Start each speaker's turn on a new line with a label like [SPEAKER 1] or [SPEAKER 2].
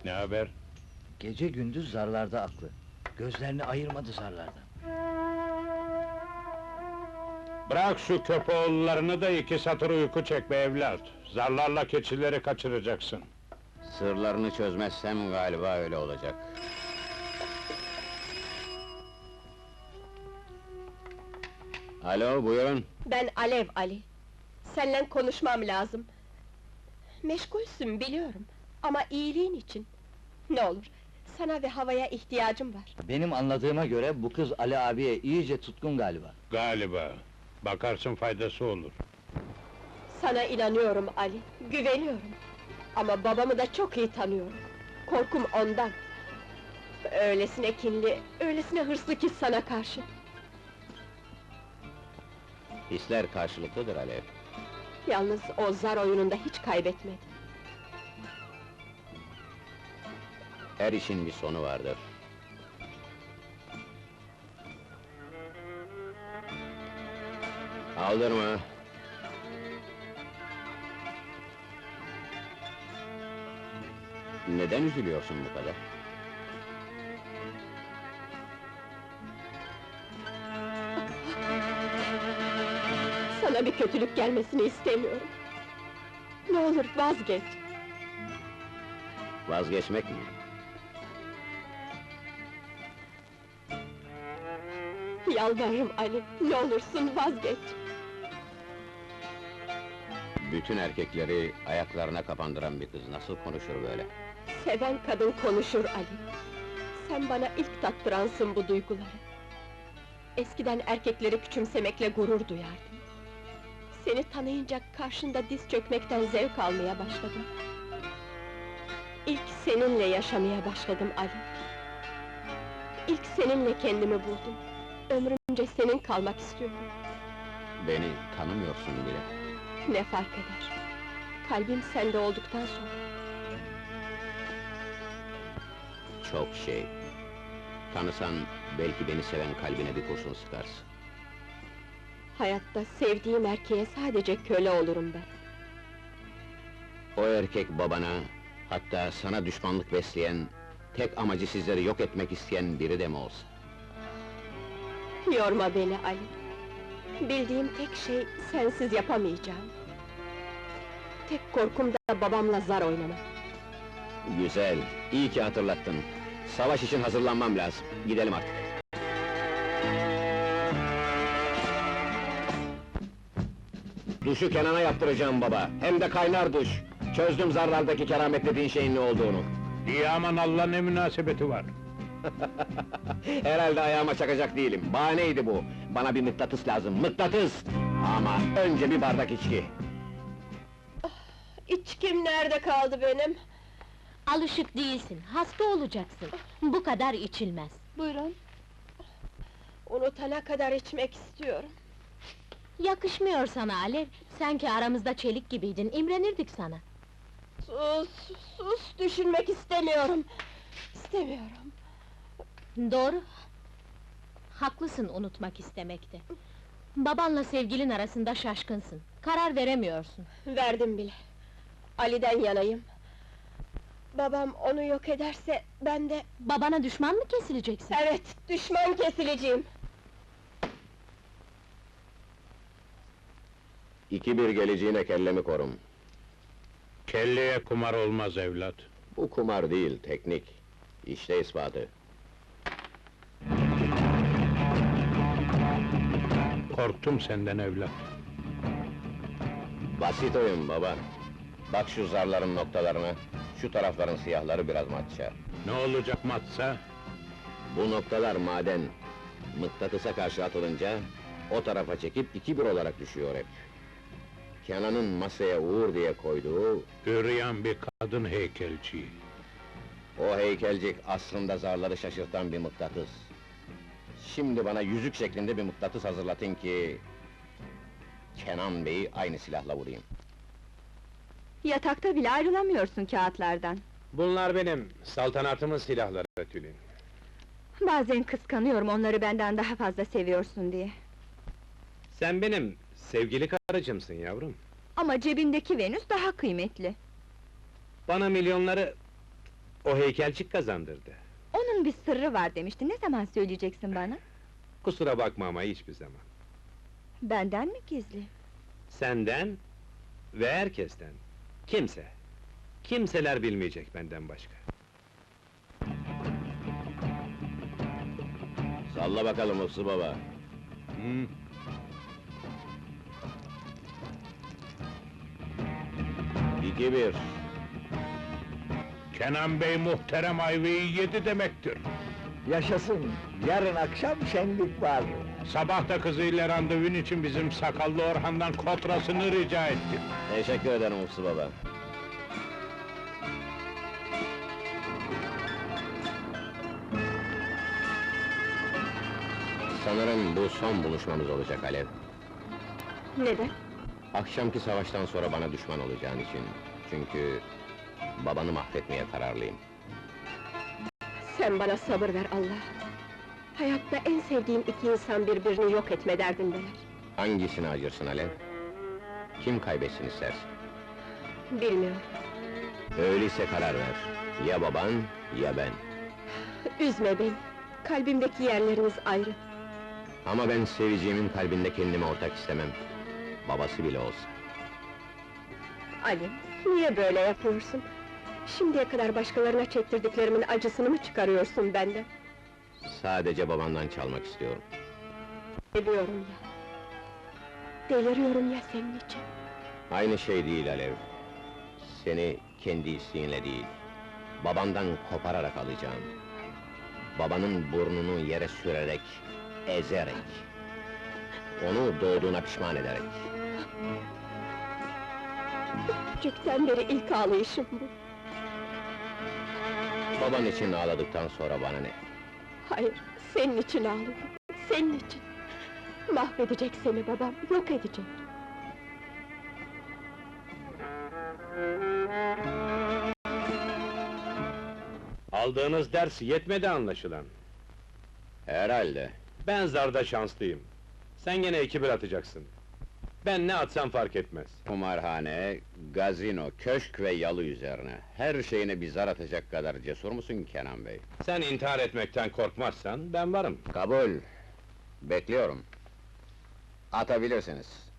[SPEAKER 1] Ne haber?
[SPEAKER 2] Gece gündüz zarlarda aklı. Gözlerini ayırmadı zarlardan.
[SPEAKER 1] Bırak şu köpoğullarını da iki satır uyku çek be evlat. Zarlarla keçileri kaçıracaksın.
[SPEAKER 3] Sırlarını çözmezsem galiba öyle olacak. Alo, buyurun.
[SPEAKER 4] Ben Alev Ali. Seninle konuşmam lazım. Meşgulsün biliyorum. Ama iyiliğin için. Ne olur, sana ve havaya ihtiyacım var.
[SPEAKER 2] Benim anladığıma göre bu kız Ali abiye iyice tutkun galiba.
[SPEAKER 1] Galiba. Bakarsın faydası olur.
[SPEAKER 4] Sana inanıyorum Ali, güveniyorum. Ama babamı da çok iyi tanıyorum. Korkum ondan. Öylesine kinli, öylesine hırslı ki sana karşı.
[SPEAKER 3] Hisler karşılıklıdır Alev.
[SPEAKER 4] Yalnız o zar oyununda hiç kaybetmedi.
[SPEAKER 3] Her işin bir sonu vardır. Aldırma. Neden üzülüyorsun bu kadar?
[SPEAKER 4] Sana bir kötülük gelmesini istemiyorum. Ne olur vazgeç.
[SPEAKER 3] Vazgeçmek mi?
[SPEAKER 4] Yalvarırım Ali, ne olursun vazgeç.
[SPEAKER 3] Bütün erkekleri ayaklarına kapandıran bir kız nasıl konuşur böyle?
[SPEAKER 4] Seven kadın konuşur Ali. Sen bana ilk tattıransın bu duyguları. Eskiden erkekleri küçümsemekle gurur duyardım. Seni tanıyınca karşında diz çökmekten zevk almaya başladım. İlk seninle yaşamaya başladım Ali. İlk seninle kendimi buldum. Ömrümce senin kalmak istiyorum.
[SPEAKER 3] Beni tanımıyorsun bile.
[SPEAKER 4] Ne fark eder? Kalbim sende olduktan sonra.
[SPEAKER 3] Çok şey. Tanısan, belki beni seven kalbine bir kurşun sıkarsın.
[SPEAKER 4] Hayatta sevdiğim erkeğe sadece köle olurum ben.
[SPEAKER 3] O erkek babana, hatta sana düşmanlık besleyen, tek amacı sizleri yok etmek isteyen biri de mi olsa?
[SPEAKER 4] Yorma beni Ali. Bildiğim tek şey, sensiz yapamayacağım. Tek korkum da babamla zar oynamak.
[SPEAKER 3] Güzel, iyi ki hatırlattın. Savaş için hazırlanmam lazım. Gidelim artık. Duşu Kenan'a yaptıracağım baba, hem de kaynar duş. Çözdüm zarlardaki keramet dediğin şeyin ne olduğunu.
[SPEAKER 1] İyi aman Allah ne münasebeti var.
[SPEAKER 3] Herhalde ayağıma çakacak değilim, bahaneydi bu. Bana bir mıknatıs lazım, mıknatıs! Ama önce bir bardak içki.
[SPEAKER 4] İçkim nerede kaldı benim?
[SPEAKER 5] Alışık değilsin, hasta olacaksın. Bu kadar içilmez.
[SPEAKER 4] Buyurun. Unutana kadar içmek istiyorum.
[SPEAKER 5] Yakışmıyor sana Alev, sen ki aramızda çelik gibiydin, imrenirdik sana.
[SPEAKER 4] Sus, sus, düşünmek istemiyorum. İstemiyorum.
[SPEAKER 5] Doğru. Haklısın unutmak istemekte. Babanla sevgilin arasında şaşkınsın, karar veremiyorsun.
[SPEAKER 4] Verdim bile. Ali'den yanayım. Babam onu yok ederse, ben de...
[SPEAKER 5] Babana düşman mı kesileceksin?
[SPEAKER 4] Evet, düşman kesileceğim.
[SPEAKER 3] 2-1 geleceğine kellemi korum.
[SPEAKER 1] Kelleye kumar olmaz evlat.
[SPEAKER 3] Bu kumar değil, teknik. İşte ispatı.
[SPEAKER 1] Korktum senden evlat.
[SPEAKER 3] Basit oyun baba. Bak şu zarların noktalarına, şu tarafların siyahları biraz matça.
[SPEAKER 1] Ne olacak matsa?
[SPEAKER 3] Bu noktalar maden. Mıknatısa karşı atılınca, o tarafa çekip 2-1 olarak düşüyor hep. Kenan'ın masaya Uğur diye koyduğu,
[SPEAKER 1] Üryan bir kadın heykelci.
[SPEAKER 3] o heykelcik aslında zarları şaşırtan bir mıknatıs. Şimdi bana yüzük şeklinde bir mıknatıs hazırlatın ki... Kenan Bey'i aynı silahla vurayım.
[SPEAKER 4] Yatakta bile ayrılamıyorsun kağıtlardan.
[SPEAKER 6] Bunlar benim, saltanatımın silahları Tülin.
[SPEAKER 4] Bazen kıskanıyorum onları benden daha fazla seviyorsun diye.
[SPEAKER 6] Sen benim sevgili karıcımsın yavrum.
[SPEAKER 4] Ama cebindeki Venüs daha kıymetli.
[SPEAKER 6] Bana milyonları O heykelcik kazandırdı.
[SPEAKER 7] Onun bir sırrı var demişti, ne zaman söyleyeceksin bana?
[SPEAKER 6] Kusura bakma ama hiçbir zaman.
[SPEAKER 7] Benden mi gizli?
[SPEAKER 6] Senden ve herkesten. Kimse. Kimseler bilmeyecek benden başka.
[SPEAKER 3] Salla bakalım Hıfzı baba.
[SPEAKER 1] Hı.
[SPEAKER 3] İki bir.
[SPEAKER 1] Kenan Bey muhterem ayvayı yedi demektir.
[SPEAKER 2] Yaşasın, yarın akşam şenlik var.
[SPEAKER 1] Sabah da kızıyla randevun için bizim sakallı Orhan'dan kotrasını rica ettim.
[SPEAKER 3] Teşekkür ederim Hıfzı baba. Sanırım bu son buluşmamız olacak Alev.
[SPEAKER 4] Neden?
[SPEAKER 3] Akşamki savaştan sonra bana düşman olacağın için. Çünkü babanı mahvetmeye kararlıyım.
[SPEAKER 4] Sen bana sabır ver Allah. Hayatta en sevdiğim iki insan birbirini yok etme derdindeler.
[SPEAKER 3] Hangisini acırsın Alev? Kim kaybetsin istersin?
[SPEAKER 4] Bilmiyorum.
[SPEAKER 3] Öyleyse karar ver. Ya baban, ya ben.
[SPEAKER 4] Üzme beni. Kalbimdeki yerleriniz ayrı.
[SPEAKER 3] Ama ben seveceğimin kalbinde kendime ortak istemem. Babası bile olsa.
[SPEAKER 4] Ali, niye böyle yapıyorsun? Şimdiye kadar başkalarına çektirdiklerimin acısını mı çıkarıyorsun benden?
[SPEAKER 3] Sadece babandan çalmak istiyorum.
[SPEAKER 4] Ediyorum ya. Deliriyorum ya senin için.
[SPEAKER 3] Aynı şey değil Alev. Seni kendi isteğinle değil, babandan kopararak alacağım. Babanın burnunu yere sürerek, ezerek. Onu doğduğuna pişman ederek.
[SPEAKER 4] Küçükten beri ilk ağlayışım bu.
[SPEAKER 3] Baban için ağladıktan sonra bana ne?
[SPEAKER 4] Hayır, senin için ağlıyorum. Senin için. Mahvedecek seni babam, yok edecek.
[SPEAKER 6] Aldığınız ders yetmedi anlaşılan.
[SPEAKER 3] Herhalde.
[SPEAKER 6] Ben zarda şanslıyım. Sen gene 2-1 atacaksın. Ben ne atsam fark etmez.
[SPEAKER 3] Kumarhane, gazino, köşk ve yalı üzerine. Her şeyine bir zar atacak kadar cesur musun Kenan Bey?
[SPEAKER 6] Sen intihar etmekten korkmazsan ben varım.
[SPEAKER 3] Kabul. Bekliyorum. Atabilirsiniz.